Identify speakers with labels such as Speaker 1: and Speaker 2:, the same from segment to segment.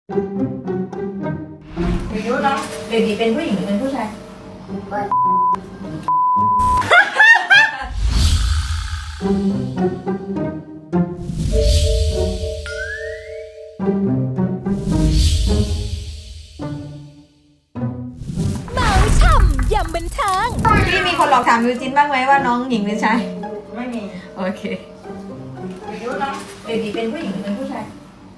Speaker 1: ไม่รู้เนาะเบบีเป็นผู้หญิงหรือเป็นผู้ชาย
Speaker 2: เมาช่ำยำบันเทิง
Speaker 1: พี่มีคนหลอกถามยูจินบ้างไหมว่าน้องหญิงหรือชายไม่มีโอเคไม่รู้เนาะเบบีเป็นผู้หญิงหรือเป็นผู้ชาย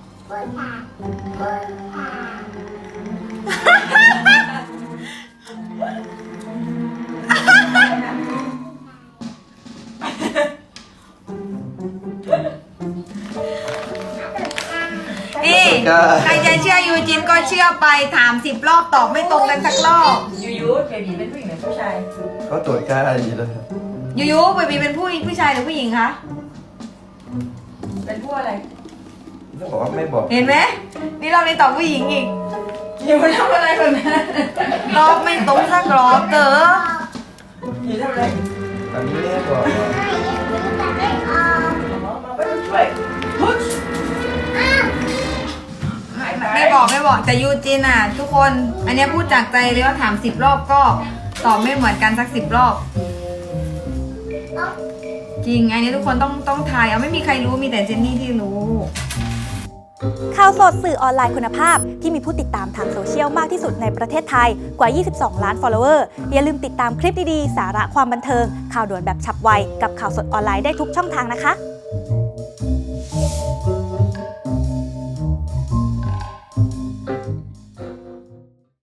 Speaker 1: นี่ใครจะเชื่อยูจินก็เชื่อไปถาม10 รอบตอบไม่ตรงกันสักรอบยูเบบีเป็นผู้หญิงหรือผู้ชาย
Speaker 3: เขาตรวจค่าอยู่แล้วครับ
Speaker 1: ยูเบบีเป็นผู้ชายหรือผู้หญิงคะเป็นผู้อะไร
Speaker 3: ต้องบอกว่าไม่บอก
Speaker 1: เห็นไหมนี่เราเลยตอบผู้หญิงอีกอยู่ทำอะไรคนนั้นตอบไม่ตรงสักรอบเต๋ออยู่ทำอะไร
Speaker 3: ตอนนี้ไม่ได้บอก
Speaker 1: มาไปช่วยพุชไม่บอกแต่ยูจินอ่ะทุกคนอันเนี้ยพูดจากใจเลยว่าถาม10 รอบก็ตอบไม่เหมือนกันสัก10 รอบจริงอันนี้ทุกคนต้องทายเอาไม่มีใครรู้มีแต่เจนนี่ที่รู้
Speaker 2: ข่าวสดสื่อออนไลน์คุณภาพที่มีผู้ติดตามทางโซเชียลมากที่สุดในประเทศไทยกว่า 22 ล้าน follower อย่าลืมติดตามคลิปดีๆ สาระความบันเทิง ข่าวด่วนแบบฉับไวกับข่าวสดออนไลน์ได้ทุกช่องทางนะคะ